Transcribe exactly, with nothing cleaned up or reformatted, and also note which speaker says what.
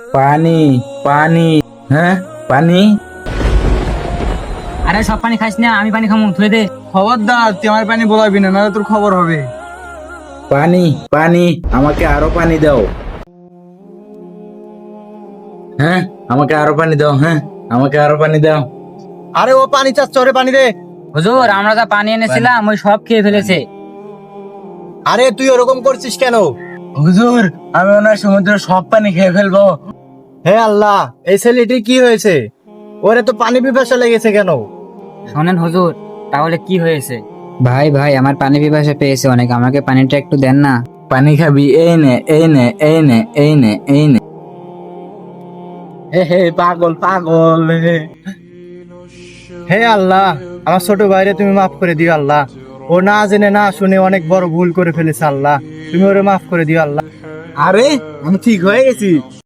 Speaker 1: পানি, পানি, হ্যাঁ পানি।
Speaker 2: আরে সব পানি খাইস না, আমি পানি খামু, থুয়ে দে।
Speaker 3: খবরদার তুই আমার পানি বলাবি না, নাহলে তোর খবর হবে।
Speaker 1: পানি, পানি, আমাকে আরো পানি দাও। হ্যাঁ, আমাকে আরো পানি দাও। হ্যাঁ, আমাকে আরো পানি দাও।
Speaker 3: আরে ও পানি চাচ্ছে, ওরে পানি দে।
Speaker 2: হুজুর, আমরা যা পানি এনেছিলাম ওই সব খেয়ে ফেলেছে।
Speaker 3: আরে তুই ওরকম করছিস কেন?
Speaker 1: হুজুর, আমি ওনার সমুদ্রের সব পানি খেয়ে ফেলবো।
Speaker 3: হে আল্লাহ, এই ছেলেটি কি হয়েছে? ওরে তো পানি পিপাসা লেগেছে কেন?
Speaker 2: শোনেন হুজুর, তাহলে কি হয়েছে?
Speaker 4: ভাই ভাই আমার পানি পিপাসা পেয়েছে অনেক, আমাকে পানিটা একটু দেন না।
Speaker 1: পানি খাবি? এই নে, এই নে, এই নে, এই নে, এই নে। হে হে, পাগল পাগল হে।
Speaker 3: হে আল্লাহ, আমার ছোট ভাইরে তুমি মাফ করে দিও আল্লাহ। ও না জেনে না শুনে অনেক বড় ভুল করে ফেলেছে আল্লাহ, তুমি ওরে মাফ করে দিও আল্লাহ।
Speaker 1: আরে আমি ঠিক হয়ে গেছি।